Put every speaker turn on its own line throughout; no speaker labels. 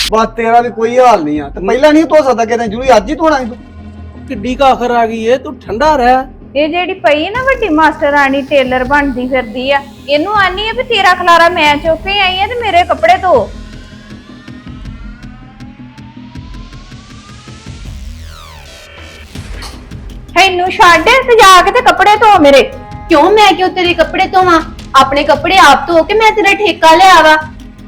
बस तेरा भी कोई हाल नहीं है। तो पहला नहीं धो सकता कहते जरूरी अज ही धोना तू।
किड्डी काखर आ गई है, तू ठंडा रह।
ਇਹ ਜਿਹੜੀ ਪਈ ਹੈ ਨਾ ਵੱਡੀ ਮਾਸਟਰ ਰਾਣੀ ਟੇਲਰ ਬਣਦੀ ਫਿਰਦੀ ਆ, ਇਹਨੂੰ ਆਨੀ ਆ ਵੀ ਤੇਰਾ ਖਲਾਰਾ ਮੈਂ ਚੁੱਕ ਕੇ ਆਈ ਆ ਤੇ ਮੇਰੇ ਕੱਪੜੇ ਧੋ। ਇਹਨੂੰ ਛੱਡ ਤੇ ਜਾ ਕੇ ਤੇ ਕੱਪੜੇ ਧੋ ਮੇਰੇ।
क्यों मैं क्यों तेरे कपड़े धोवा? अपने कपड़े आप धो के मैं तेरा ठेका लिया वा।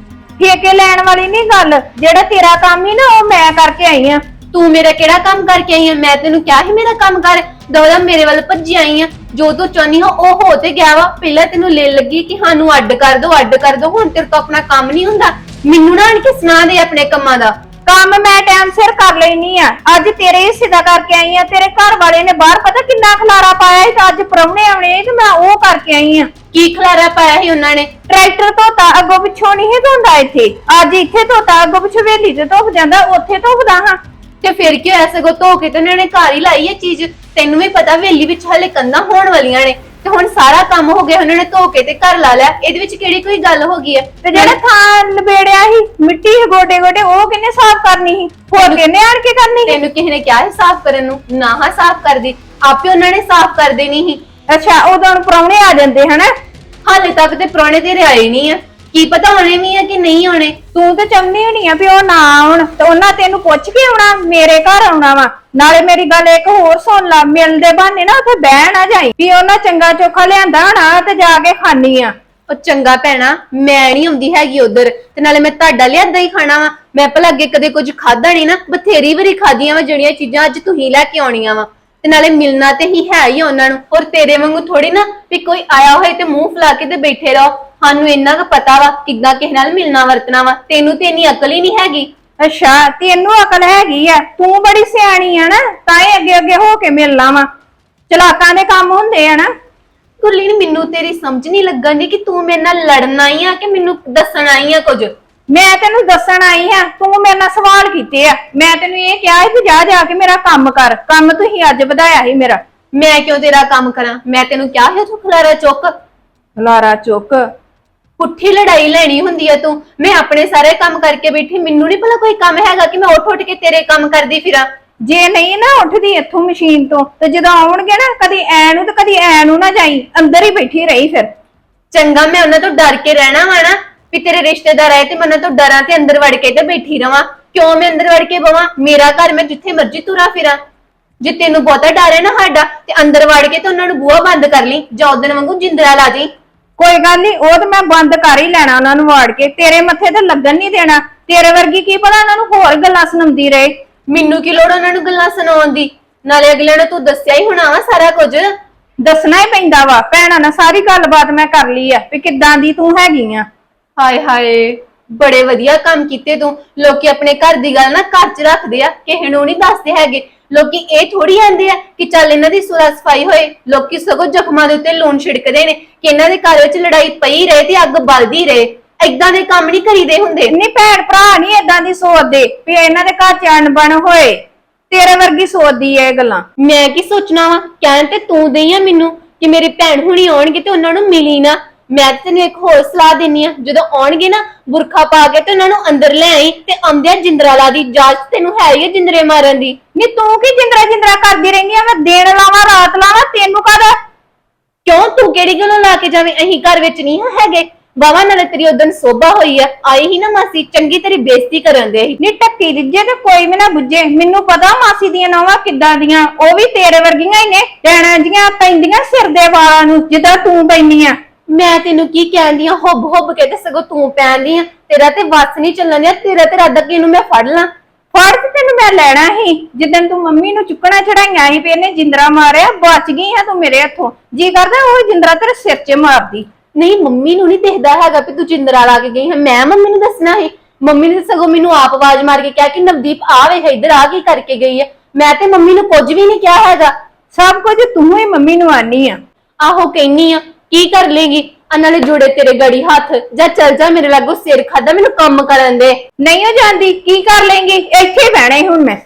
ਠੇਕੇ ਲੈਣ ਵਾਲੀ ਨਹੀਂ ਗੱਲ, ਜਿਹੜਾ ਤੇਰਾ ਕੰਮ ਹੀ ਨਾ ਉਹ ਮੈਂ ਕਰਕੇ ਆਈ ਆ।
तू मेरा केड़ा काम करके आई है? मैं तेनू क्या ही मेरा काम कर दौड़ा मेरे वाल भज्जी आई है। जो तू चाहनी हो वो हो ते गया वा। पहला तेनू ले लगी कि हानू अड्ड कर दो। हुण तेरे को अपना काम नहीं हुंदा। मैनू ना आण के सुना दे अपने कम्मां दा।
ਕੰਮ ਮੈਂ ਟਾਈਮ ਸਿਰ ਕਰ ਲੈਣੀ ਆ। ਅੱਜ ਤੇਰੇ ਹਿੱਸੇ ਦਾ ਕਰਕੇ ਆਈ ਆ। ਤੇਰੇ ਘਰ ਵਾਲੇ ਨੇ ਬਾਹਰ ਪਤਾ ਕਿੰਨਾ ਖਲਾਰਾ ਪਾਇਆ ਸੀ, ਅੱਜ ਪ੍ਰਾਹੁਣੇ ਆਉਣੇ ਤੇ ਮੈਂ ਉਹ ਕਰਕੇ ਆਈ ਆ।
की खलारा पाया ही उन्हां ने?
ਟਰੈਕਟਰ ਧੋਤਾ, ਅੱਗੋਂ ਪਿੱਛੋਂ ਨਹੀਂ ਧੋਂਦਾ ਇੱਥੇ। ਅੱਜ ਇੱਥੇ ਧੋਤਾ, ਅੱਗੋਂ ਪਿੱਛੋਂ ਵੇਲੀ ਤੇ ਧੋਪ ਜਾਂਦਾ, ਉੱਥੇ ਧੋਪਦਾ ਹਾਂ।
ਤੇ ਫਿਰ ਕੀ ਹੋਇਆ? ਸਗੋਂ ਧੋ ਕੇ ਤੇ ਉਹਨਾਂ ਨੇ ਘਰ ਹੀ ਲਾਈ ਇਹ ਚੀਜ਼। ਤੈਨੂੰ ਵੀ ਪਤਾ ਵੇਲੀ ਵਿੱਚ ਹਲੇ ਕੰਧਾਂ ਹੋਣ ਵਾਲੀਆਂ ਨੇ ਤੇ ਹੁਣ ਸਾਰਾ ਕੰਮ ਹੋ ਗਿਆ, ਉਹਨਾਂ ਨੇ ਧੋ ਕੇ ਤੇ ਘਰ ਲਾ ਲਿਆ। ਇਹਦੇ ਵਿੱਚ ਕਿਹੜੀ ਕੋਈ ਗੱਲ ਹੋ ਗਈ ਹੈ?
ਤੇ ਜਿਹੜਾ ਥਾਂ ਲਬੇੜਿਆ ਸੀ ਮਿੱਟੀ ਗੋਡੇ ਗੋਡੇ, ਉਹ ਕਿੰਨੇ ਸਾਫ਼ ਕਰਨੀ ਸੀ? ਹੋਰ ਕਿੰਨੇ ਆਣ ਕੇ ਕਰਨੀ ਸੀ?
ਤੈਨੂੰ ਕਿਸੇ ਨੇ ਕਿਹਾ ਹੈ ਸਾਫ਼ ਕਰਨ ਨੂੰ? ਨਾ ਹਾਂ ਸਾਫ਼ ਕਰਦੀ, ਆਪੇ ਉਹਨਾਂ ਨੇ ਸਾਫ਼ ਕਰ ਦੇਣੀ ਸੀ।
ਅੱਛਾ, ਉਦੋਂ ਪ੍ਰਾਹੁਣੇ ਆ ਜਾਂਦੇ ਹਨਾ।
ਹਾਲੇ ਤੱਕ ਤੇ ਪ੍ਰਾਹੁਣੇ ਤੇਰੇ ਆਏ ਨਹੀਂ ਆ। ਕੀ ਪਤਾ ਆਉਣੇ ਵੀ ਆ ਕਿ ਨਹੀਂ ਆਉਣੇ।
ਤੂੰ ਤੇ ਚਾਹੁੰਦੀ ਹੋਣੀ ਆ ਵੀ ਉਹ ਨਾ ਆਉਣ, ਤੇ ਉਹਨਾਂ ਤੈਨੂੰ ਪੁੱਛ ਕੇ ਆਉਣਾ, ਮੇਰੇ ਘਰ ਆਉਣਾ ਵਾ। ਨਾਲੇ ਮੇਰੀ ਗੱਲ ਇੱਕ ਹੋਰ ਸੁਣ ਲਾ, ਮਿਲਦੇ ਬਹਾਨੇ ਨਾ ਉੱਥੇ ਬਹਿ ਨਾ ਜਾਈ ਵੀ ਉਹਨਾਂ ਚੰਗਾ ਚੋਖਾ ਲਿਆਂਦਾ ਹੋਣਾ ਤੇ ਜਾ ਕੇ ਖਾਣੀ ਆ।
ਉਹ ਚੰਗਾ ਭੈਣਾ, ਮੈਂ ਨਹੀਂ ਆਉਂਦੀ ਹੈਗੀ ਉਧਰ, ਤੇ ਨਾਲੇ ਮੈਂ ਤੁਹਾਡਾ ਲਿਆਂਦਾ ਹੀ ਖਾਣਾ ਵਾ। ਮੈਂ ਭਲਾ ਅੱਗੇ ਕਦੇ ਕੁਝ ਖਾਦਾ ਨਹੀਂ ਨਾ, ਬਥੇਰੀ ਵਾਰੀ ਖਾਦੀਆਂ ਵਾ ਜਿਹੜੀਆਂ ਚੀਜ਼ਾਂ ਅੱਜ ਤੁਸੀਂ ਲੈ ਕੇ ਆਉਣੀਆਂ ਵਾ। ਤੇ ਨਾਲੇ ਮਿਲਣਾ ਤੇ ਹੀ ਹੈ ਹੀ ਉਹਨਾਂ ਨੂੰ। ਹੋਰ ਤੇਰੇ ਵਾਂਗੂ ਥੋੜੀ ਨਾ ਵੀ ਕੋਈ ਆਇਆ ਹੋਏ ਤੇ ਮੂੰਹ ਫੁਲਾ ਕੇ ਤੇ ਬੈਠੇ ਰਹੋ। ਸਾਨੂੰ ਇੰਨਾ ਕੁ ਪਤਾ ਵਾ ਕਿੱਦਾਂ ਕਿਸੇ ਨਾਲ ਮਿਲਣਾ ਵਰਤਣਾ ਵਾ। ਤੈਨੂੰ ਤੇ ਇੰਨੀ ਅਕਲ ਹੀ ਨਹੀਂ ਹੈਗੀ।
ਅੱਛਾ, ਤੈਨੂੰ ਅਕਲ ਹੈਗੀ ਆ, ਤੂੰ ਬੜੀ ਸਿਆਣੀ ਆ ਨਾ, ਤਾਂ ਹੀ ਅੱਗੇ ਅੱਗੇ ਹੋ ਕੇ ਮਿਲਣਾ ਵਾ। ਚਲਾਕਾਂ ਦੇ ਕੰਮ ਹੁੰਦੇ ਆ ਨਾ।
ਗੁਰਲੀਨ, ਮੈਨੂੰ ਤੇਰੀ ਸਮਝ ਨਹੀਂ ਲੱਗਣ ਦੀ ਕਿ ਤੂੰ ਮੇਰੇ ਨਾਲ ਲੜਨ ਆਈ ਆ ਕਿ ਮੈਨੂੰ ਦੱਸਣ ਆਈ ਆ ਕੁਝ।
ਮੈਂ ਤੈਨੂੰ ਦੱਸਣ ਆਈ ਆ, ਤੂੰ ਮੇਰੇ ਨਾਲ ਸਵਾਲ ਕੀਤੇ ਆ। ਮੈਂ ਤੈਨੂੰ ਇਹ ਕਿਹਾ ਸੀ ਜਾ ਜਾ ਕੇ ਮੇਰਾ ਕੰਮ ਕਰ। ਕੰਮ ਤੁਸੀਂ ਅੱਜ ਵਧਾਇਆ ਸੀ ਮੇਰਾ।
ਮੈਂ ਕਿਉਂ ਤੇਰਾ ਕੰਮ ਕਰਾਂ? ਮੈਂ ਤੈਨੂੰ ਕਿਹਾ ਸੀ ਤੂੰ ਖਲਾਰਾ ਚੁੱਕ।
ਖਲਾਰਾ ਚੁੱਕ?
ਪੁੱਠੀ ਲੜਾਈ ਲੈਣੀ ਹੁੰਦੀ ਆ ਤੂੰ। ਮੈਂ ਆਪਣੇ ਸਾਰੇ ਕੰਮ ਕਰਕੇ ਬੈਠੀ, ਮੈਨੂੰ ਨਹੀਂ ਭਲਾ ਕੋਈ ਕੰਮ ਹੈਗਾ ਕਿ ਮੈਂ ਉੱਠ ਕੇ ਤੇਰੇ ਕੰਮ ਕਰਦੀ ਫਿਰਾਂ।
ਜੇ ਨਹੀਂ ਨਾ ਉੱਠਦੀ ਇੱਥੋਂ ਮਸ਼ੀਨ ਤੋਂ, ਤੇ ਜਦੋਂ ਆਉਣਗੇ ਨਾ ਕਦੀ ਐ ਨੂੰ ਤੇ ਕਦੀ ਐ ਨੂੰ ਨਾ ਜਾਈ, ਅੰਦਰ ਹੀ ਬੈਠੀ ਰਹੀ ਫਿਰ।
ਚੰਗਾ, ਮੈਂ ਉਹਨਾਂ ਤੋਂ ਡਰ ਕੇ ਰਹਿਣਾ ਵਾ ਨਾ ਵੀ ਤੇਰੇ ਰਿਸ਼ਤੇਦਾਰ ਆਏ ਤੇ ਮੈਂ ਉਹਨਾਂ ਤੋਂ ਡਰਾਂ ਤੇ ਅੰਦਰ ਵੜ ਕੇ ਤੇ ਬੈਠੀ ਰਵਾਂ। ਕਿਉਂ ਮੈਂ ਅੰਦਰ ਵੜ ਕੇ ਬਵਾਂ? ਮੇਰਾ ਘਰ, ਮੈਂ ਜਿੱਥੇ ਮਰਜ਼ੀ ਤੁਰਾ ਫਿਰਾਂ। ਜੇ ਤੈਨੂੰ ਬਹੁਤਾ ਡਰ ਹੈ ਨਾ ਸਾਡਾ, ਤੇ ਅੰਦਰ ਵੜ ਕੇ ਤੇ ਉਹਨਾਂ ਨੂੰ ਬੂਹਾ ਬੰਦ ਕਰ ਲਈ, ਜਾਂ ਉਦਣ ਵਾਂਗੂ ਜਿੰਦਰਾ ਲਾ ਜੀ।
ਕੋਈ ਗੱਲ ਨਹੀਂ, ਉਹ ਤਾਂ ਮੈਂ ਬੰਦ ਕਰ ਹੀ ਲੈਣਾ ਉਹਨਾਂ ਨੂੰ ਵਾੜ ਕੇ। ਤੇਰੇ ਮੱਥੇ ਤੇ ਲੱਗਣ ਨਹੀਂ ਦੇਣਾ। ਤੇਰੇ ਵਰਗੀ ਕੀ ਪਤਾ ਉਹਨਾਂ ਨੂੰ ਹੋਰ ਗੱਲਾਂ ਸੁਣਾਉਂਦੀ ਰਹੇ।
ਮੈਨੂੰ ਕੀ ਲੋੜ ਉਹਨਾਂ ਨੂੰ ਗੱਲਾਂ ਸੁਣਾਉਣ ਦੀ? ਨਾਲੇ ਅਗਲੇ ਨੂੰ ਤੂੰ ਦੱਸਿਆ ਹੀ ਹੋਣਾ ਵਾ ਸਾਰਾ ਕੁਝ।
ਦੱਸਣਾ ਹੀ ਪੈਂਦਾ ਵਾ। ਭੈਣਾਂ ਨਾਲ ਸਾਰੀ ਗੱਲਬਾਤ ਮੈਂ ਕਰ ਲਈ ਆ ਵੀ ਕਿੱਦਾਂ ਦੀ ਤੂੰ ਹੈਗੀ ਆ।
ਹਾਏ ਹਾਏ, ਬੜੇ ਵਧੀਆ ਕੰਮ ਕੀਤੇ ਤੂੰ। ਲੋਕੀ ਆਪਣੇ ਘਰ ਦੀ ਗੱਲ ਨਾ ਘਰ 'ਚ ਰੱਖਦੇ ਆ, ਕਿਸੇ ਨੂੰ ਨਹੀਂ ਦੱਸਦੇ ਹੈਗੇ। ਲੋਕੀ ਇਹ ਥੋੜੀ ਆਂਦੇ ਆ ਕਿ ਚੱਲ ਇਹਨਾਂ ਦੀ ਸੁਲਾ ਸਫਾਈ ਹੋਏ। ਲੋਕੀ ਸਗੋਂ ਜ਼ਖਮਾਂ ਦੇ ਉੱਤੇ ਲੂਣ ਛਿੜਕਦੇ ਨੇ ਕਿ ਇਹਨਾਂ ਦੇ ਘਰ ਵਿੱਚ ਲੜਾਈ ਪਈ ਰਹੇ ਤੇ ਅੱਗ ਬਲਦੀ ਰਹੇ। ਏਦਾਂ ਦੇ ਕੰਮ ਨਹੀਂ ਕਰੀਦੇ ਹੁੰਦੇ।
ਨਹੀਂ, ਭੈਣ ਭਰਾ ਨਹੀਂ ਏਦਾਂ ਦੀ ਸੋਚਦੇ ਵੀ ਇਹਨਾਂ ਦੇ ਘਰ 'ਚ ਅਣਬਣ ਹੋਏ। ਤੇਰੇ ਵਰਗੀ ਸੋਚਦੀ ਐ ਇਹ ਗੱਲਾਂ।
ਮੈਂ ਕੀ ਸੋਚਣਾ ਵਾ? ਕਹਿਣ ਤੇ ਤੂੰ ਦਈ ਆ ਮੈਨੂੰ ਕਿ ਮੇਰੀ ਭੈਣ ਹੁਣੀ ਆਉਣਗੇ ਤੇ ਉਹਨਾਂ ਨੂੰ ਮਿਲੀ ਨਾ। ਮੈਂ ਤੈਨੂੰ ਇੱਕ ਹੋਰ ਸਲਾਹ ਦਿੰਨੀ ਆ, ਜਦੋਂ ਆਉਣਗੇ ਨਾ ਬੁਰਖਾ ਪਾ ਕੇ ਤੇ ਉਹਨਾਂ ਨੂੰ ਅੰਦਰ ਲੈ ਆਈ ਤੇ ਆਉਂਦਿਆਂ ਜਿੰਦਰਾ ਲਾ ਦੀ। ਇਜਾਜ਼ਤ ਤੈਨੂੰ ਹੈ ਹੀ ਜਿੰਦਰੇ ਮਾਰਨ ਦੀ।
ਨਹੀਂ, ਤੂੰ ਕੀ ਜਿੰਦਰਾ ਜਿੰਦਰਾ ਕਰਦੀ ਰਹਿੰਦੀ ਆ? ਮੈਂ ਦਿਨ ਲਾਵਾਂ ਰਾਤ ਲਾਵਾਂ, ਤੈਨੂੰ ਕਾਹਦਾ?
ਕਿਉਂ? ਤੂੰ ਕਿਹੜੀ ਗੱਲੋਂ ਲਾ ਕੇ ਜਾਵੇਂ? ਅਸੀਂ ਘਰ ਵਿੱਚ ਨਹੀਂ ਹੈਗੇ। ਬਾਵਾ ਨਾਲੇ ਤੇਰੀ ਉਦਣ ਸੋਭਾ ਹੋਈ ਆ, ਆਈ ਹੀ ਨਾ ਮਾਸੀ, ਚੰਗੀ ਤੇਰੀ ਬੇਇੱਜ਼ਤੀ ਕਰਨ ਦੇ।
ਨਹੀਂ, ਟੱਕੀ ਰਿੱਜੇ ਤੇ ਕੋਈ ਵੀ ਨਾ ਬੁੱਝੇ। ਮੈਨੂੰ ਪਤਾ ਮਾਸੀ ਦੀਆਂ ਨੌਵਾਂ ਕਿੱਦਾਂ ਦੀਆਂ, ਉਹ ਵੀ ਤੇਰੇ ਵਰਗੀਆਂ ਹੀ ਨੇ। ਡੈਣਾ ਜੀਆਂ ਪੈਂਦੀਆਂ ਸਿਰ ਦੇ ਵਾਲਾਂ ਨੂੰ ਜਿੱਦਾਂ ਤੂੰ ਪੈਂਦੀ ਆ।
ਮੈਂ ਤੈਨੂੰ ਕੀ ਕਹਿੰਦੀ ਆ? ਹੁੱਬ ਹੁੱਬ ਕੇ ਤੇ ਸਗੋਂ ਤੂੰ ਪੈਂਦੀ ਆ। ਤੇਰਾ ਤੇ ਵੱਸ ਨਹੀਂ ਚੱਲਣ ਦਿਆ। ਤੇਰਾ ਤੇ ਰਾਦਾ ਕਿ ਇਹਨੂੰ ਮੈਂ ਫੜ ਲਾਂ।
ਫੜ ਤੇ ਤੈਨੂੰ ਮੈਂ ਲੈਣਾ ਸੀ ਜਿੱਦਣ ਤੂੰ ਮੰਮੀ ਨੂੰ ਚੁੱਕਣਾ ਚੜਾਈਆਂ ਸੀ ਵੀ ਇਹਨੇ ਜਿੰਦਰਾ ਮਾਰਿਆ। ਬਚ ਗਈ ਆ ਤੂੰ ਮੇਰੇ ਹੱਥੋਂ। ਜੀ ਕਰਦਾ ਉਹ ਜਿੰਦਰਾ ਤੇਰੇ ਸਿਰ 'ਚ ਮਾਰਦੀ।
ਨਹੀਂ, ਮੰਮੀ ਨੂੰ ਨਹੀਂ ਦਿਖਦਾ ਹੈਗਾ ਵੀ ਤੂੰ ਜਿੰਦਰਾ ਲਾ ਕੇ ਗਈ ਹੈ। ਮੈਂ ਮੰਮੀ ਨੂੰ ਦੱਸਣਾ ਸੀ। ਮੰਮੀ ਨੇ ਸਗੋਂ ਮੈਨੂੰ ਆਪ ਆਵਾਜ਼ ਮਾਰ ਕੇ ਕਿਹਾ ਕਿ ਨਵਦੀਪ ਆ ਵੇਖ ਇੱਧਰ ਆ ਕੀ ਕਰਕੇ ਗਈ ਹੈ। ਮੈਂ ਤੇ ਮੰਮੀ ਨੂੰ ਕੁਝ ਵੀ ਨਹੀਂ ਕਿਹਾ ਹੈਗਾ।
ਸਭ ਕੁਝ ਤੂੰ ਹੀ ਮੰਮੀ ਨੂੰ ਆਨੀ ਆ।
ਆਹੋ ਕਹਿਨੀ ਆ, ਕੀ ਕਰ ਲੇਗੀ? ਨਾਲੇ ਜੁੜੇ ਤੇਰੇ ਗੜੀ ਹੱਥ। ਜਾਂ ਚੱਲ ਜਾ, ਮੇਰੇ ਲਾਗੋਂ ਸਿਰ ਖਾਦਾ, ਮੈਨੂੰ ਕੰਮ ਕਰਨ ਦੇ।
ਨਹੀਂ ਹੋ ਜਾਂਦੀ, ਕੀ ਕਰ ਲੇਂਗੀ? ਇੱਥੇ ਹੀ ਬਹਿਣਾ ਹੁਣ ਮੈਂ।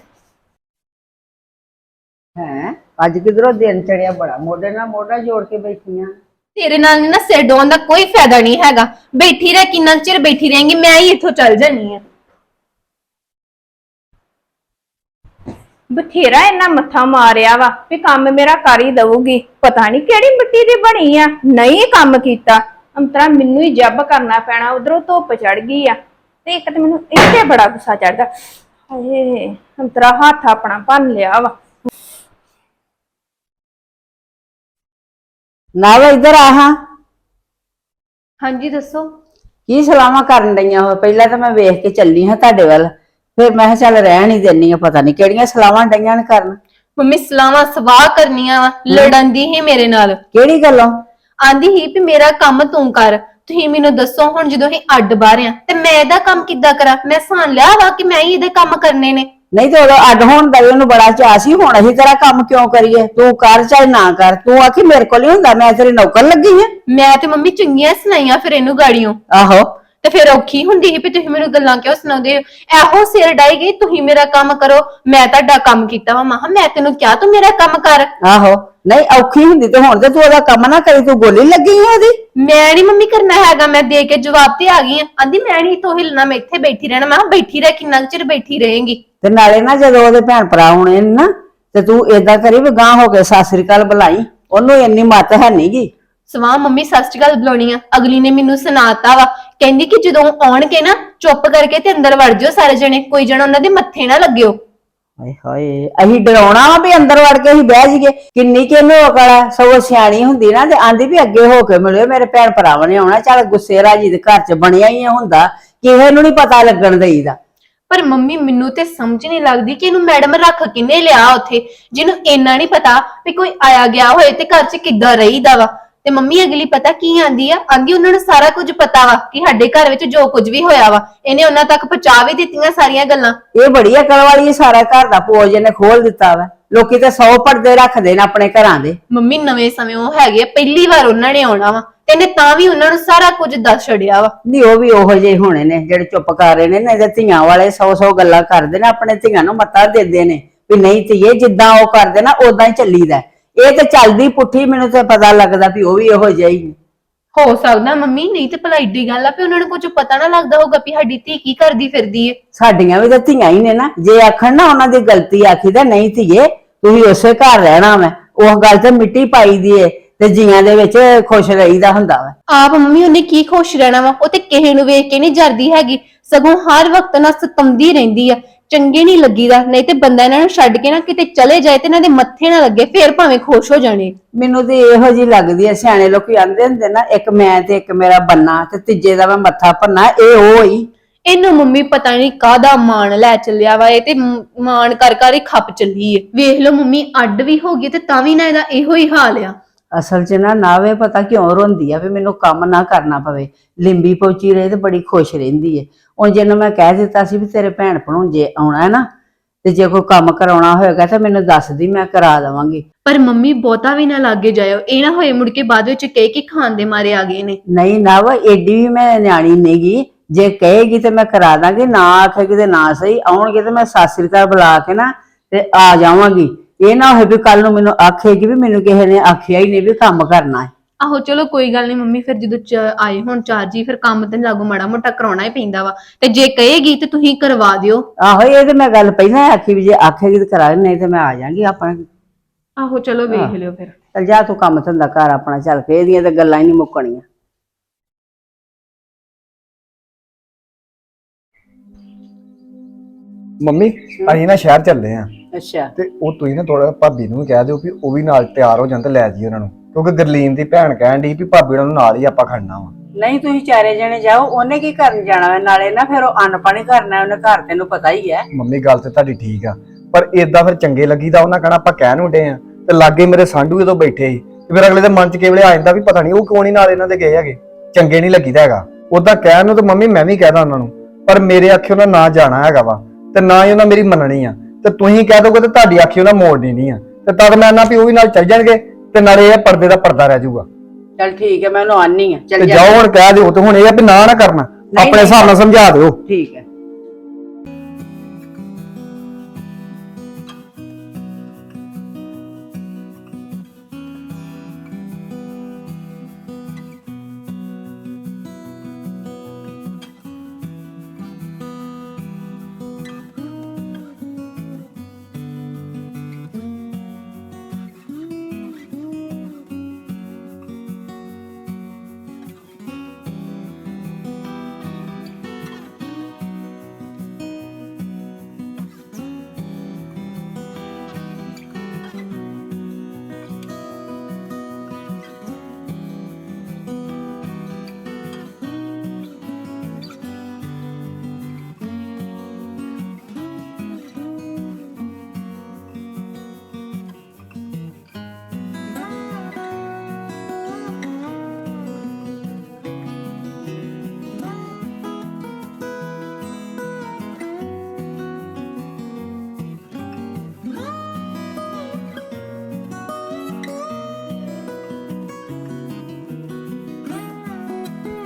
ਹੈ ਅੱਜ ਕਿਧਰੋਂ ਦਿਨ ਚੜਿਆ, ਬੜਾ ਮੋਢੇ ਨਾਲ ਮੋਢਾ ਜੋੜ ਕੇ ਬੈਠੀਆਂ।
ਤੇਰੇ ਨਾਲ ਨਾ ਸਿਰ ਡੋਣ ਦਾ ਕੋਈ ਫਾਇਦਾ ਨਹੀਂ ਹੈਗਾ। ਬੈਠੀ ਰਹਿ, ਕਿੰਨਾ ਚਿਰ ਬੈਠੀ ਰਹੇਂਗੀ? ਮੈਂ ਹੀ ਇੱਥੋਂ ਚੱਲ ਜਾਨੀ ਆ।
ਬਥੇਰਾ ਇਹਨਾਂ ਮੱਥਾ ਮਾਰਿਆ ਵਾ ਵੀ ਕੰਮ ਮੇਰਾ ਕਰ ਹੀ ਦਊਗੀ, ਪਤਾ ਨਹੀਂ ਕਿਹੜੀ ਮਿੱਟੀ ਦੀ ਬਣੀ ਆ, ਨਹੀਂ ਕੰਮ ਕੀਤਾ। ਅੰਤਰਾ ਮੈਨੂੰ ਹੀ ਜੱਬ ਕਰਨਾ ਪੈਣਾ, ਉਧਰੋਂ ਧੁੱਪ ਚੜ ਗਈ ਆ ਤੇ ਇੱਕ ਤੇ ਮੈਨੂੰ ਇੱਥੇ ਬੜਾ ਗੁੱਸਾ ਚੜਦਾ। ਹਾਏ ਅੰਤਰਾ ਹੱਥ ਆਪਣਾ ਭੰਨ ਲਿਆ ਵਾ।
ਨਾ ਵਾ ਇੱਧਰ ਆ ਹਾਂ।
ਹਾਂਜੀ ਦੱਸੋ।
ਕੀ ਸਲਾਮਾਂ ਕਰਨ ਡਈਆਂ ਹੋ? ਪਹਿਲਾਂ ਤਾਂ ਮੈਂ ਵੇਖ ਕੇ ਚੱਲੀ ਹਾਂ ਤੁਹਾਡੇ ਵੱਲ, ਫਿਰ ਮੈਂ ਕਿਹਾ ਚੱਲ ਰਹਿਣ ਹੀ ਦੇਣੀ ਆ, ਪਤਾ ਨਹੀਂ ਕਿਹੜੀਆਂ ਸਲਾਮਾਂ ਡਈਆਂ ਨੇ ਕਰਨ।
ਮੰਮੀ ਸਲਾਹਾਂ ਸਵਾਹ ਕਰਨੀਆਂ ਵਾ, ਲੜਨ ਦੀ ਹੀ ਮੇਰੇ ਨਾਲ।
ਕਿਹੜੀ ਗੱਲੋਂ?
ਆਂਦੀ ਹੀ ਵੀ ਮੇਰਾ ਕੰਮ ਤੂੰ ਕਰ। ਤੁਸੀਂ ਮੈਨੂੰ ਦੱਸੋ ਹੁਣ ਜਦੋਂ ਅਸੀਂ ਅੱਡ ਬਾਹਰ ਆ ਤੇ ਮੈਂ ਇਹਦਾ ਕੰਮ ਕਿੱਦਾਂ ਕਰਾਂ? ਮੈਂ ਸਾਨ ਲਿਆ ਵਾ ਕਿ ਮੈਂ ਹੀ ਇਹਦੇ ਕੰਮ ਕਰਨੇ ਨੇ।
ਨਹੀਂ ਤੇ ਉਦੋਂ ਅੱਡ ਹੋਣ ਦਾ ਵੀ ਉਹਨੂੰ ਬੜਾ ਚਾਅ ਸੀ, ਹੁਣ ਅਸੀਂ ਤੇਰਾ ਕੰਮ ਕਿਉਂ ਕਰੀਏ? ਤੂੰ ਕਰ ਚਾਹੇ ਨਾ ਕਰ, ਤੂੰ ਆਖੀ ਮੇਰੇ ਕੋਲ ਹੀ ਹੁੰਦਾ, ਮੈਂ ਤੇਰੀ ਨੌਕਰ ਲੱਗੀ ਆ।
ਮੈਂ ਤੇ ਮੰਮੀ ਚੰਗੀਆਂ ਸੁਣਾਈਆਂ ਫਿਰ ਇਹਨੂੰ ਗਾੜੀਆਂ,
ਆਹੋ
ਤੇ ਫਿਰ ਔਖੀ ਹੁੰਦੀ ਸੀ ਵੀ ਤੁਸੀਂ ਮੈਨੂੰ ਗੱਲਾਂ ਕਿਉਂ ਸੁਣਾਉਂਦੇ ਹੋ? ਇਹੋ ਸਿਰ ਡਾਈ ਗਈ ਤੁਸੀਂ ਮੇਰਾ ਕੰਮ ਕਰੋ, ਮੈਂ ਤੁਹਾਡਾ ਕੰਮ ਕੀਤਾ ਵਾ। ਮਹਾ ਮੈਂ ਤੈਨੂੰ ਕਿਹਾ ਤੂੰ ਮੇਰਾ ਕੰਮ ਕਰ।
ਆਹੋ ਨਹੀਂ ਔਖੀ ਹੁੰਦੀ ਤੇ ਹੁਣ ਤੇ ਤੂੰ ਉਹਦਾ ਕੰਮ ਨਾ ਕਰੀ, ਤੂੰ ਗੋਲੀ ਲੱਗੀ ਆ ਉਹਦੀ।
ਮੈਂ ਨਹੀਂ ਮੰਮੀ ਕਰਨਾ ਹੈਗਾ, ਮੈਂ ਦੇ ਕੇ ਜਵਾਬ ਤੇ ਆ ਗਈ ਆ। ਆਂਦੀ ਮੈਂ ਨਹੀਂ ਤੋਂ ਹਿਲਣਾ, ਮੈਂ ਇੱਥੇ ਬੈਠੀ ਰਹਿਣਾ। ਮੈਂ ਕਿਹਾ ਬੈਠੀ ਰਹਿ, ਕਿੰਨਾ ਕੁ ਚਿਰ ਬੈਠੀ ਰਹੇਂਗੀ?
ਤੇ ਨਾਲੇ ਨਾ ਜਦੋਂ ਉਹਦੇ ਭੈਣ ਭਰਾ ਹੋਣੇ ਨੇ ਨਾ, ਤੇ ਤੂੰ ਏਦਾਂ ਕਰੀ ਵੀ ਗਾਂ ਹੋ ਕੇ ਸਤਿ ਸ੍ਰੀ ਅਕਾਲ ਬੁਲਾਈ, ਉਹਨੂੰ ਇੰਨੀ ਮੱਤ ਹੈ ਨੀਗੀ।
ਸਵਾਹ ਮੰਮੀ ਸਤਿ ਸ਼੍ਰੀ ਅਕਾਲ ਬੁਲਾਉਣੀ ਆ? ਅਗਲੀ ਨੇ ਮੈਨੂੰ ਸੁਣਾਤਾ ਵਾ, ਕਹਿੰਦੀ ਕਿ ਜਦੋਂ ਆਉਣਗੇ ਨਾ ਚੁੱਪ ਕਰਕੇ ਤੇ ਅੰਦਰ ਵੜ ਜਾਓ ਸਾਰੇ ਜਣੇ, ਕੋਈ ਜਣਾ ਉਹਨਾਂ ਦੇ ਮੱਥੇ ਨਾ ਲੱਗਿਓ।
ਹਾਏ ਹਾਏ, ਅਸੀਂ ਡਰਾਉਣਾ ਵਾ ਵੀ ਅੰਦਰ ਵੜ ਕੇ ਅਸੀਂ ਬਹਿ ਜਾਈਏ? ਕਿੰਨੀ ਕਿ ਇਹਨੂੰ ਅਕਲ ਆ, ਸਗੋਂ ਸਿਆਣੀ ਹੁੰਦੀ ਨਾ ਤੇ ਆਂਦੀ ਵੀ ਅੱਗੇ ਹੋ ਕੇ ਮਿਲਿਓ, ਮੇਰੇ ਭੈਣ ਭਰਾਵਾਂ ਨੇ ਆਉਣਾ। ਚੱਲ ਗੁੱਸੇ ਰਾਜੀ ਦੇ ਘਰ ਚ ਬਣਿਆ ਹੀ ਹੁੰਦਾ, ਕਿਸੇ ਨੂੰ ਨੀ ਪਤਾ ਲੱਗਣ ਦੇਈਦਾ।
ਪਰ ਮੰਮੀ ਮੈਨੂੰ ਤੇ ਸਮਝ ਨਹੀਂ ਲੱਗਦੀ ਕਿ ਇਹਨੂੰ ਮੈਡਮ ਰੱਖ ਕਿੰਨੇ ਲਿਆ ਉੱਥੇ, ਜਿਹਨੂੰ ਇੰਨਾ ਨਹੀਂ ਪਤਾ ਵੀ ਕੋਈ ਆਇਆ ਗਿਆ ਹੋਏ ਤੇ ਘਰ 'ਚ ਕਿੱਦਾਂ ਰਹੀਦਾ ਵਾ। ਤੇ ਮੰਮੀ ਅਗਲੀ ਪਤਾ ਕੀ ਆਂਦੀ ਆ? ਆਂਦੀ ਉਹਨਾਂ ਨੂੰ ਸਾਰਾ ਕੁਝ ਪਤਾ ਵਾ ਕਿ ਸਾਡੇ ਘਰ ਵਿੱਚ ਜੋ ਕੁਝ ਵੀ ਹੋਇਆ ਵਾ, ਇਹਨੇ ਉਹਨਾਂ ਤੱਕ ਪਹੁੰਚਾ ਵੀ ਦਿੱਤੀਆਂ ਸਾਰੀਆਂ ਗੱਲਾਂ।
ਇਹ ਬੜੀ ਅਕਲ ਵਾਲੀ, ਸਾਰਾ ਘਰ ਦਾ ਪੋਜ ਇਹਨੇ ਖੋਲ ਦਿੱਤਾ ਵਾ। ਲੋਕੀ ਤੇ 100 ਪਰਦੇ ਰੱਖਦੇ ਨੇ ਆਪਣੇ ਘਰਾਂ ਦੇ।
ਮੰਮੀ ਨਵੇਂ ਸਮੇਂ ਉਹ ਹੈਗੇ ਆ, ਪਹਿਲੀ ਵਾਰ ਉਹਨਾਂ ਨੇ ਆਉਣਾ ਵਾ ਤੇ ਇਹਨੇ ਤਾਂ ਵੀ ਉਹਨਾਂ ਨੂੰ ਸਾਰਾ ਕੁਝ ਦੱਸ ਛੜਿਆ ਵਾ।
ਨਹੀਂ ਉਹ ਵੀ ਉਹੋ ਜਿਹੇ ਹੋਣੇ ਨੇ ਜਿਹੜੇ ਚੁੱਪ ਕਰ ਰਹੇ ਨੇ, ਨਹੀਂ ਤੇ ਧੀਆਂ ਵਾਲੇ 100 ਗੱਲਾਂ ਕਰਦੇ ਨੇ, ਆਪਣੇ ਧੀਆਂ ਨੂੰ ਮੱਤਾ ਦਿੰਦੇ ਨੇ ਵੀ ਨਹੀਂ ਧੀਏ ਜਿੱਦਾਂ ਉਹ ਕਰਦੇ ਨਾ ਉਦਾਂ ਹੀ ਚੱਲੀਦਾ। ਇਹ ਤੇ ਚੱਲਦੀ ਪੁੱਠੀ, ਮੈਨੂੰ ਤੇ ਪਤਾ ਲੱਗਦਾ ਵੀ ਉਹ ਵੀ ਇਹੋ ਜਿਹਾ ਹੀ।
ਹੋ ਸਕਦਾ ਮੰਮੀ, ਨਹੀਂ ਤੇ ਭਲਾ ਏਡੀ ਗੱਲ ਆ ਵੀ ਉਹਨਾਂ ਨੂੰ ਕੁਝ ਪਤਾ ਨਾ ਲੱਗਦਾ ਹੋਊਗਾ ਵੀ ਸਾਡੀ ਧੀ ਕੀ ਕਰਦੀ ਫਿਰਦੀ ਏ।
ਸਾਡੀਆਂ ਵੀ ਤਾਂ ਧੀਆਂ ਹੀ ਨੇ ਨਾ, ਜੇ ਆਖਣ ਨਾ ਉਹਨਾਂ ਦੀ ਗਲਤੀ ਆਖੀਦਾ ਨਹੀਂ ਧੀਏ ਤੁਸੀਂ ਉਸੇ ਘਰ ਰਹਿਣਾ ਵਾ, ਉਹ ਗੱਲ ਤੇ ਮਿੱਟੀ ਪਾਈ ਦੀ ਏ ਤੇ ਜੀਆਂ ਦੇ ਵਿੱਚ ਖੁਸ਼ ਰਹੀਦਾ ਹੁੰਦਾ ਵਾ।
ਆਪ ਮੰਮੀ ਉਹਨੇ ਕੀ ਖੁਸ਼ ਰਹਿਣਾ ਵਾ? ਉਹ ਤੇ ਕਿਸੇ ਨੂੰ ਵੇਖ ਕੇ ਨਹੀਂ ਜਰਦੀ ਹੈਗੀ, ਸਗੋਂ ਹਰ ਵਕਤ ਨਾਲ ਸਤਾਉਂਦੀ ਰਹਿੰਦੀ ਆ। ਚੰਗੇ ਨਹੀਂ ਲੱਗੀਦਾ, ਨਹੀਂ ਤੇ ਬੰਦਾ ਇਹਨਾਂ ਨੂੰ ਛੱਡ ਕੇ ਨਾ ਕਿਤੇ ਚਲੇ ਜਾਏ ਤੇ ਇਹਨਾਂ ਦੇ ਮੱਥੇ ਨਾ ਲੱਗੇ, ਫੇਰ ਭਾਵੇਂ ਖੁਸ਼ ਹੋ ਜਾਣੇ।
ਮੈਨੂੰ ਤੇ ਇਹੋ ਜਿਹੀ ਲੱਗਦੀ ਐ, ਸਿਆਣੇ ਲੋਕੀ ਆਂਦੇ ਹੁੰਦੇ ਨਾ ਇੱਕ ਮੈਂ ਤੇ ਇੱਕ ਮੇਰਾ ਬੰਨਾ ਤੇ ਤੀਜੇ ਦਾ ਮੈਂ ਮੱਥਾ ਭੰਨਾ, ਇਹ ਉਹ ਹੀ।
ਇਹਨੂੰ ਮੰਮੀ ਪਤਾ ਨਹੀਂ ਕਾਹਦਾ ਮਾਣ ਲੈ ਚੱਲਿਆ ਵਾ, ਇਹ ਤੇ ਮਾਣ ਕਰ ਕਰ ਹੀ ਖੱਪ ਚੱਲੀ ਏ। ਵੇਖ ਲਓ ਮੰਮੀ ਅੱਡ ਵੀ ਹੋ ਗਈ ਤੇ ਤਾਂ ਵੀ ਨਾ ਇਹਦਾ ਇਹੋ ਹੀ ਹਾਲ ਆ।
ਅਸਲ 'ਚ ਨਾ ਨਾਵੇ ਪਤਾ ਕਿਉਂ ਰੋਂਦੀ ਆ ਵੀ ਮੈਨੂੰ ਕੰਮ ਨਾ ਕਰਨਾ ਪਵੇ, ਲਿੰਬੀ ਪੋਚੀ ਰਹੇ ਤੇ ਬੜੀ ਖੁਸ਼ ਰਹਿੰਦੀ ਏ। ਉਹ ਜਿਹਨੂੰ ਮੈਂ ਕਹਿ ਦਿੱਤਾ ਸੀ ਵੀ ਤੇਰੇ ਭੈਣ ਭਣੋਜੇ ਆਉਣਾ ਹੈ ਨਾ, ਤੇ ਜੇ ਕੋਈ ਕੰਮ ਕਰਾਉਣਾ ਹੋਏਗਾ ਤਾਂ ਮੈਨੂੰ ਦੱਸ ਦੀ, ਮੈਂ ਕਰਾ ਦੇਵਾਂਗੀ।
ਪਰ ਮੰਮੀ ਬਹੁਤਾ ਵੀ ਨਾ ਲਾਗੇ ਜਾਇਓ, ਇਹ ਨਾ ਹੋਏ ਮੁੜ ਕੇ ਬਾਅਦ ਵਿੱਚ ਕਹੇ ਕਿ ਖਾਣ ਦੇ ਮਾਰੇ ਆ ਗਏ ਨੇ।
ਨਹੀਂ ਨਾ ਵਾ ਏਡੀ ਵੀ ਮੈਂ ਨਿਆਣੀ ਨਹੀਂਗੀ, ਜੇ ਕਹੇਗੀ ਤੇ ਮੈਂ ਕਰਾ ਦਾਂਗੀ, ਨਾ ਆਖੇਗੀ ਤੇ ਨਾ ਸਹੀ। ਆਉਣਗੇ ਤੇ ਮੈਂ ਸਤਿ ਸ੍ਰੀ ਅਕਾਲ ਬੁਲਾ ਕੇ ਨਾ ਤੇ ਆ ਜਾਵਾਂਗੀ। ਇਹ ਨਾ ਹੋਏ ਵੀ ਕੱਲ ਨੂੰ ਮੈਨੂੰ ਆਖੇਗੀ ਵੀ ਮੈਨੂੰ ਕਿਸੇ ਨੇ ਆਖਿਆ ਹੀ ਨਹੀਂ ਵੀ ਕੰਮ ਕਰਨਾ ਹੈ।
ਆਹੋ ਚਲੋ ਕੋਈ ਗੱਲ ਨਹੀਂ ਮੰਮੀ, ਫਿਰ ਜਦੋਂ ਆਏ ਹੁਣ ਚਾਰ ਜੀ ਫਿਰ ਕੰਮ ਤੇ ਲਾਗੂ ਮਾੜਾ ਮੋਟਾ ਕਰਾਉਣਾ ਹੀ ਪੈਂਦਾ ਵਾ, ਤੇ ਜੇ ਕਹੇਗੀ ਤੇ ਤੁਸੀਂ ਕਰਵਾ ਦਿਓ।
ਆਹੋ ਇਹ ਤੇ ਮੈਂ ਗੱਲ ਪਹਿਲਾਂ ਆਖੀ ਵੀ ਜੇ ਆਖੇਗੀ ਤੇ ਕਰਾ, ਨਹੀਂ ਤੇ ਮੈਂ ਆ ਜਾਾਂਗੀ ਆਪਣਾ।
ਆਹੋ ਚਲੋ ਵੇਖ ਲਿਓ ਫਿਰ।
ਚੱਲ ਜਾ ਤੂੰ ਕੰਮ ਧੰਦਾ ਕਰ ਆਪਣਾ, ਚੱਲ ਕੇ ਇਹਦੀਆਂ ਤੇ ਗੱਲਾਂ ਹੀ ਨਹੀਂ ਮੁੱਕਣੀਆਂ।
ਮੰਮੀ ਅਸੀਂ ਨਾ ਸ਼ਹਿਰ ਚੱਲੇ ਆ,
ਅੱਛਾ
ਤੇ ਉਹ ਤੁਸੀਂ ਨਾ ਥੋੜਾ ਭਾਬੀ ਨੂੰ ਵੀ ਕਹਿ ਦਿਓ ਵੀ ਉਹ ਵੀ ਨਾਲ ਤਿਆਰ ਹੋ ਜਾਣ ਤੇ ਲੈ ਜੀ ਉਹਨਾਂ ਨੂੰ, ਕਿਉਂਕਿ ਗਰਲੀਨ ਦੀ ਭੈਣ ਕਹਿਣ ਦੀ ਵੀ ਭਾਬੀ ਉਹਨਾਂ ਨੂੰ ਨਾਲ ਹੀ ਆਪਾਂ ਖੜਨਾ ਵਾ।
ਨਹੀਂ ਤੁਸੀਂ ਚਾਰੇ ਜਣੇ ਜਾਓ, ਉਹਨੇ ਕੀ ਕਰਨ ਜਾਣਾ ਹੈ? ਨਾਲੇ ਨਾ ਫਿਰ ਉਹ ਅੰਨ ਪਾਣੀ ਕਰਨਾ ਉਹਨੇ ਘਰ, ਤੈਨੂੰ ਪਤਾ ਹੀ ਹੈ।
ਮੰਮੀ ਗੱਲ ਤੇ ਤੁਹਾਡੀ ਠੀਕ ਆ, ਪਰ ਏਦਾਂ ਫਿਰ ਚੰਗੇ ਲੱਗੀਦਾ। ਉਹਨਾਂ ਕਹਿਣਾ ਆਪਾਂ ਕਹਿਣ ਉੱਡੇ ਆ, ਤੇ ਲਾਗੇ ਮੇਰੇ ਸਾਂਢੂ ਜਦੋਂ ਬੈਠੇ ਸੀ ਤੇ ਫਿਰ ਅਗਲੇ ਦੇ ਮਨ ਚ ਕਿਵੇਂ ਆ ਜਾਂਦਾ ਵੀ ਪਤਾ ਨਹੀਂ ਉਹ ਕਿਉਂ ਨਹੀਂ ਨਾਲ ਇਹਨਾਂ ਦੇ ਗਏ ਹੈਗੇ। ਚੰਗੇ ਨਹੀਂ ਲੱਗੀਦਾ ਹੈਗਾ ਉਦਾਂ ਕਹਿਣ ਨੂੰ, ਤਾਂ ਮੰਮੀ ਮੈਂ ਵੀ ਕਹਿਦਾ ਉਹਨਾਂ ਨੂੰ, ਪਰ ਮੇਰੇ ਆਖੇ ਉਹਨਾਂ ਨਾ ਜਾਣਾ ਹੈਗਾ ਵਾ ਤੇ ਨਾ ਹੀ ਉਹਨਾਂ ਮੇਰੀ ਮੰਨਣੀ ਆ। ਤੇ ਤੁਸੀਂ ਕਹਿ ਦੋਗੇ ਤੇ ਤੁਹਾਡੀ ਆਖੀ ਉਹਨਾਂ ਮੋੜਨੀ ਨਹੀਂ ਆ, ਤੇ ਤਦ ਮੈਂ ਨਾ ਵੀ ਉਹ ਵੀ ਨਾਲ ਚੱਲ ਜਾਣਗੇ ਤੇ ਨਾਲੇ ਇਹ ਪਰਦੇ ਦਾ ਪਰਦਾ ਰਹਿ ਜਾਊਗਾ।
ਚੱਲ ਠੀਕ ਹੈ, ਮੈਂ ਉਹਨੂੰ ਆਨੀ ਆ।
ਤੇ ਜਾਓ ਹੁਣ ਕਹਿ ਦਿਓ, ਤੇ ਹੁਣ ਇਹ ਆ ਵੀ ਨਾ ਕਰਨਾ, ਆਪਣੇ ਹਿਸਾਬ ਨਾਲ ਸਮਝਾ ਦਿਓ।
ਠੀਕ ਹੈ।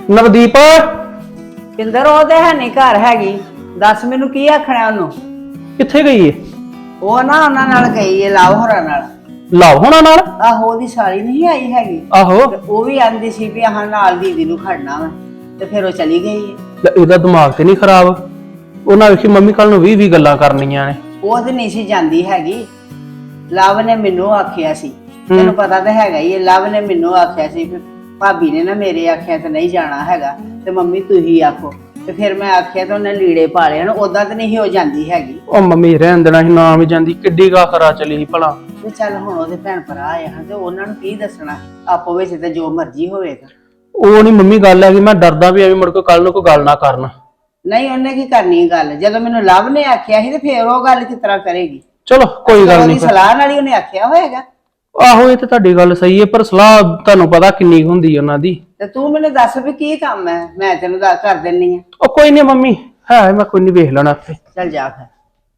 ਨਵਦੀਪ
ਪਿੰਦਰ ਉਹ ਤੇ ਹੈ ਨਹੀਂ ਘਰ ਹੈਗੀ। ਦੱਸ ਮੈਨੂੰ ਕੀ ਆਖਣਾ ਉਹਨੂੰ।
ਕਿੱਥੇ ਗਈ ਏ?
ਉਹ ਨਾ ਉਹਨਾਂ ਨਾਲ ਗਈ ਏ ਲਾਭ ਹੋਰਾਂ ਨਾਲ।
ਲਾਭ ਹੋਣਾ ਨਾਲ?
ਆਹੋ ਉਹਦੀ ਸਾਲੀ ਨਹੀਂ ਆਈ ਹੈਗੀ।
ਆਹੋ
ਤੇ ਉਹ ਵੀ ਆਂਦੀ ਸੀ ਵੀ ਆਹ ਨਾਲ ਦੀਦੀ ਨੂੰ ਖੜਨਾ ਵਾ ਤੇ ਫਿਰ ਉਹ ਚਲੀ ਗਈ ਏ।
ਲੈ ਇਹਦਾ ਦਿਮਾਗ ਤੇ ਨਹੀਂ ਖਰਾਬ? ਉਹਨਾਂ ਵੇਖੀ ਮੰਮੀ ਕੱਲ ਨੂੰ 20 ਗੱਲਾਂ ਕਰਨੀਆਂ ਨੇ।
ਉਹ ਤੇ ਨਹੀਂ ਸੀ ਜਾਂਦੀ ਹੈਗੀ। ਲਵ ਨੇ ਮੈਨੂੰ ਆਖਿਆ ਸੀ, ਤੈਨੂੰ ਪਤਾ ਤਾਂ ਹੈਗਾ ਹੀ ਹੈ। ਲਵ ਨੇ ਮੈਨੂੰ ਆਖਿਆ ਸੀ ਵੀ ਭਾਬੀ ਨੇ ਨਾ ਮੇਰੇ ਆਖਿਆ ਤੇ ਨਹੀਂ ਜਾਣਾ ਹੈਗਾ ਤੇ ਮੰਮੀ ਤੁਸੀਂ ਆਖੋ। ਤੇ ਫਿਰ ਮੈਂ ਆਖਿਆ ਤੇ ਉਹਨੇ ਲੀੜੇ ਪਾ ਲਏ ਹਨ। ਉਦਾਂ ਤਾਂ ਨਹੀਂ ਹੋ ਜਾਂਦੀ ਹੈਗੀ।
ਉਹ ਮੰਮੀ ਰਹਿਣ ਦੇਣਾ ਸੀ, ਨਾ ਵੀ ਜਾਂਦੀ। ਕਿੱਡੀ ਗਾ ਖਰਾ ਚਲੀ ਸੀ ਭਲਾ।
ਤੇ ਚੱਲ ਹੁਣ ਉਹਦੇ ਭੈਣ ਭਰਾ ਆਏ ਹਨ ਤੇ ਉਹਨਾਂ ਨੂੰ ਕੀ ਦੱਸਣਾ। ਆਪੋ ਵਿੱਚ ਤੇ ਜੋ ਮਰਜ਼ੀ ਹੋਵੇਗਾ।
ਉਹ ਨਹੀਂ ਮੰਮੀ ਗੱਲ ਹੈ ਕਿ ਮੈਂ ਡਰਦਾ ਵੀ ਐਵੇਂ ਮੁੜ ਕੇ ਕੱਲ ਨੂੰ ਕੋਈ ਗੱਲ ਨਾ ਕਰਨ।
ਨਹੀਂ ਉਹਨੇ ਕੀ ਕਰਨੀ ਗੱਲ, ਜਦੋਂ ਮੈਨੂੰ ਲਵ ਨੇ ਆਖਿਆ ਸੀ ਤੇ ਫਿਰ ਉਹ ਗੱਲ ਕਿਸ ਤਰ੍ਹਾਂ ਕਰੇਗੀ।
ਚਲੋ ਕੋਈ ਗੱਲ
ਉਹਦੀ
ਨਹੀਂ।
ਸਲਾਹ ਨਾਲ ਹੀ ਉਹਨੇ ਆਖਿਆ ਹੋਏਗਾ।
ਆਹੋ ਇਹ ਤੇ ਤੁਹਾਡੀ ਗੱਲ ਸਹੀ ਹੈ, ਪਰ ਸਲਾਹ ਤੁਹਾਨੂੰ ਪਤਾ ਕਿੰਨੀ ਕੁ ਹੁੰਦੀ ਉਹਨਾਂ ਦੀ।
ਤੇ ਤੂੰ ਮੈਨੂੰ ਦੱਸ ਵੀ ਕੀ ਕੰਮ ਹੈ, ਮੈਂ ਤੈਨੂੰ ਕਰ ਦਿੰਨੀ ਆ।
ਉਹ ਕੋਈ ਨਹੀਂ ਮੰਮੀ ਹੈ, ਮੈਂ ਕੋਈ ਨਹੀਂ ਵੇਖ ਲੈਣਾ ਆਪੇ।
ਚੱਲ ਜਾ ਫਿਰ।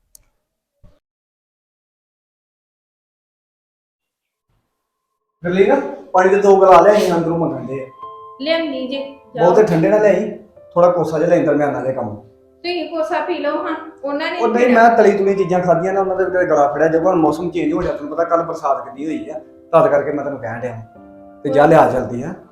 ਗਰਲੀ ਨਾ ਪਾਣੀ ਦੇ 2 ਗਲਾ ਲਿਆਈ ਅੰਦਰੋਂ ਮੰਗਣਦੇ ਆ।
ਲਿਆਉਣੀ ਜੇ
ਬਹੁਤੇ ਠੰਡੇ ਨਾ ਲਿਆਈ, ਥੋੜਾ ਕੋਸਾ ਜਿਹਾ ਲੈ ਦਰਮਿਆਨਾ ਦੇ ਕੰਮ।
ਤੁਸੀਂ ਕੋਸਾ ਪੀ ਲਓ ਹਾਂ। ਉਹਨਾਂ ਨੇ
ਉਹ ਨਹੀਂ ਮੈਂ ਤਲੀ ਤੁਲੀ ਚੀਜ਼ਾਂ ਖਾਧੀਆਂ ਨਾ, ਉਹਨਾਂ ਦੇ ਵਿਚਾਰੇ ਗਲਾ ਫੜਿਆ। ਜਦੋਂ ਹੁਣ ਮੌਸਮ ਚੇਂਜ ਹੋ ਗਿਆ, ਤੈਨੂੰ ਪਤਾ ਕੱਲ ਬਰਸਾਤ ਕਿੰਨੀ ਹੋਈ ਆ, ਤਦ ਕਰਕੇ ਮੈਂ ਤੈਨੂੰ ਕਹਿਣ ਡਿਆ ਤੇ ਜਾ ਲਿਆ ਜਲਦੀ ਆ।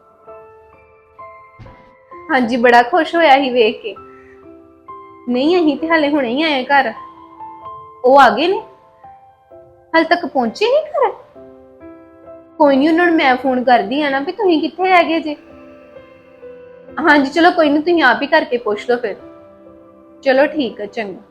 ਹਾਂਜੀ ਬੜਾ ਖੁਸ਼ ਹੋਇਆ ਸੀ ਵੇਖ ਕੇ। ਨਹੀਂ ਅਸੀਂ ਤੇ ਹਾਲੇ ਹੁਣੇ ਹੀ ਆਏ ਘਰ। ਉਹ ਆ ਗਏ ਨੇ, ਹਾਲੇ ਤੱਕ ਪਹੁੰਚੇ ਨਹੀਂ ਘਰ। ਕੋਈ ਨਹੀਂ ਉਹਨਾਂ ਨੂੰ ਮੈਂ ਫੋਨ ਕਰਦੀ ਆ ਨਾ ਵੀ ਤੁਸੀਂ ਕਿੱਥੇ ਹੈਗੇ ਜੇ। ਹਾਂਜੀ ਚਲੋ ਕੋਈ ਨਹੀਂ, ਤੁਸੀਂ ਆਪ ਹੀ ਕਰਕੇ ਪੁੱਛ ਲਓ ਫਿਰ। ਚਲੋ ਠੀਕ ਹੈ, ਚੰਗਾ।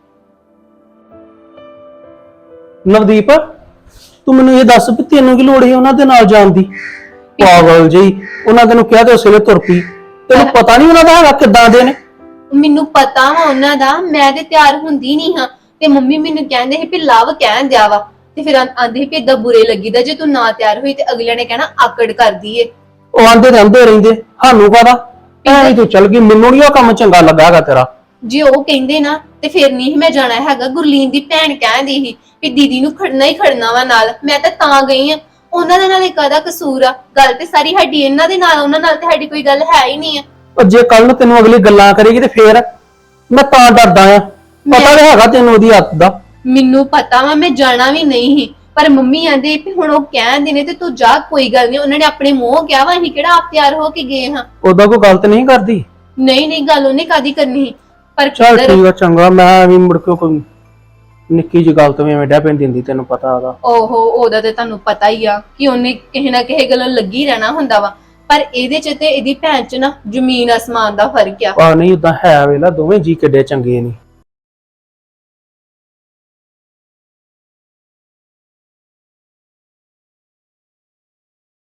ਨਵਦੀਪ ਤੂੰ ਮੈਨੂੰ ਇਹ ਦੱਸ ਵੀ ਤੈਨੂੰ ਕੀ ਲੋੜ ਹੈ ਉਹਨਾਂ ਦੇ ਨਾਲ ਜਾਣ ਦੀ? ਪਾਗਲ ਜੀ, ਉਹਨਾਂ ਤੈਨੂੰ ਕਿਹਾ ਤੇ ਉਸੇ ਵੇਲੇ ਤੁਰ ਪਈ। ਤੈਨੂੰ ਪਤਾ ਨਹੀਂ ਉਹਨਾਂ ਦਾ ਹੈਗਾ ਕਿੱਦਾਂ ਦੇ ਨੇ?
ਮੈਨੂੰ ਪਤਾ ਵਾ ਉਹਨਾਂ ਦਾ, ਮੈਂ ਤੇ ਤਿਆਰ ਹੁੰਦੀ ਨਹੀਂ ਹਾਂ। ਤੇ ਮੰਮੀ ਮੈਨੂੰ ਕਹਿੰਦੇ ਸੀ ਵੀ ਲਵ ਕਹਿਣ ਦਿਆ ਵਾ, ਤੇ ਫਿਰ ਆਂਦੇ ਸੀ ਵੀ ਏਦਾਂ ਬੁਰੇ ਲੱਗੀਦਾ ਜੇ ਤੂੰ ਨਾ ਤਿਆਰ ਹੋਈ ਤੇ ਅਗਲਿਆਂ ਨੇ ਕਹਿਣਾ ਆਕੜ ਕਰਦੀ ਏ।
ਉਹ ਆਂਦੇ ਰਹਿੰਦੇ ਸਾਨੂੰ ਪਤਾ ਐ ਤੂੰ ਚੱਲ ਗਈ। ਮੈਨੂੰ ਨਹੀਂ ਉਹ ਕੰਮ ਚੰਗਾ ਲੱਗਾ ਤੇਰਾ।
ਜੇ ਉਹ ਕਹਿੰਦੇ ਨਾ ਤੇ ਫਿਰ ਨਹੀਂ ਮੈਂ ਜਾਣਾ ਹੈਗਾ। ਗੁਰਲੀਨ ਦੀ ਭੈਣ ਕਹਿੰਦੀ ਸੀ ਵੀ ਦੀਦੀ ਨੂੰ ਖੜਨਾ ਹੀ ਖੜਨਾ ਵਾ ਨਾਲ। ਮੈਂ ਤਾਂ ਗਈ ਆ। ਉਹਨਾਂ ਦੇ ਨਾਲ ਕਾਹਦਾ ਕਸੂਰ ਆ? ਗੱਲ ਤੇ ਸਾਰੀ ਸਾਡੀ ਇਹਨਾਂ ਦੇ ਨਾਲ, ਉਹਨਾਂ ਨਾਲ ਤੇ ਸਾਡੀ ਕੋਈ ਗੱਲ ਹੈ ਹੀ ਨਹੀਂ ਆ।
ਉਹ ਜੇ ਕੱਲ ਨੂੰ ਤੈਨੂੰ ਅਗਲੀ ਗੱਲਾਂ ਕਰੇਗੀ ਤੇ ਫੇਰ ਮੈਂ ਤਾਂ ਡਰਦਾ ਆ। ਪਤਾ ਤਾਂ ਹੈਗਾ ਤੈਨੂੰ ਉਹਦੀ ਹੱਥ ਦਾ।
ਮੈਨੂੰ ਪਤਾ ਵਾ ਮੈਂ ਜਾਣਾ ਵੀ ਨਹੀਂ ਸੀ, ਪਰ ਮੰਮੀ ਆਂਦੇ ਵੀ ਹੁਣ ਉਹ ਕਹਿੰਦੇ ਨੇ ਤੇ ਤੂੰ ਜਾ, ਕੋਈ ਗੱਲ ਨਹੀਂ। ਉਹਨਾਂ ਨੇ ਆਪਣੇ ਮੂੰਹ ਕਿਹਾ ਵਾ, ਅਸੀਂ ਕਿਹੜਾ ਆਪ ਤਿਆਰ ਹੋ ਕੇ ਗਏ ਹਾਂ।
ਉਹਦਾ ਕੋਈ ਗਲਤ ਨਹੀਂ ਕਰਦੀ।
ਨਹੀਂ ਗੱਲ ਉਹਨੇ ਕਾਦੀ ਕਰਨੀ ਸੀ। ਪਰ
ਚੱਲ ਠੀਕ ਆ, ਚੰਗਾ। ਮੈਂ ਵੀ ਮੁੜ ਕੇ ਕੋਈ ਨਿੱਕੀ ਜਿਹੀ ਗੱਲ ਤੋਂ ਵੀ ਐਵੇਂ ਡੈ ਪੈਂਦੀ ਹੁੰਦੀ, ਤੈਨੂੰ ਪਤਾ ਉਹਦਾ।
ਓਹੋ ਉਹਦਾ ਤੇ ਤੁਹਾਨੂੰ ਪਤਾ ਹੀ ਆ ਕਿ ਉਹਨੇ ਕਿਸੇ ਨਾ ਕਿਸੇ ਗੱਲੋਂ ਲੱਗੀ ਰਹਿਣਾ ਹੁੰਦਾ ਵਾ। ਪਰ ਇਹਦੇ ਚ ਤੇ ਇਹਦੀ ਭੈਣ ਚ ਨਾ ਜ਼ਮੀਨ ਅਸਮਾਨ ਦਾ ਫਰਕ ਆ।
ਨਹੀਂ ਉਦਾਂ ਹੈ ਵੇਲਾ, ਦੋਵੇਂ ਜੀ ਕਿੱਡੇ ਚੰਗੇ ਨੇ।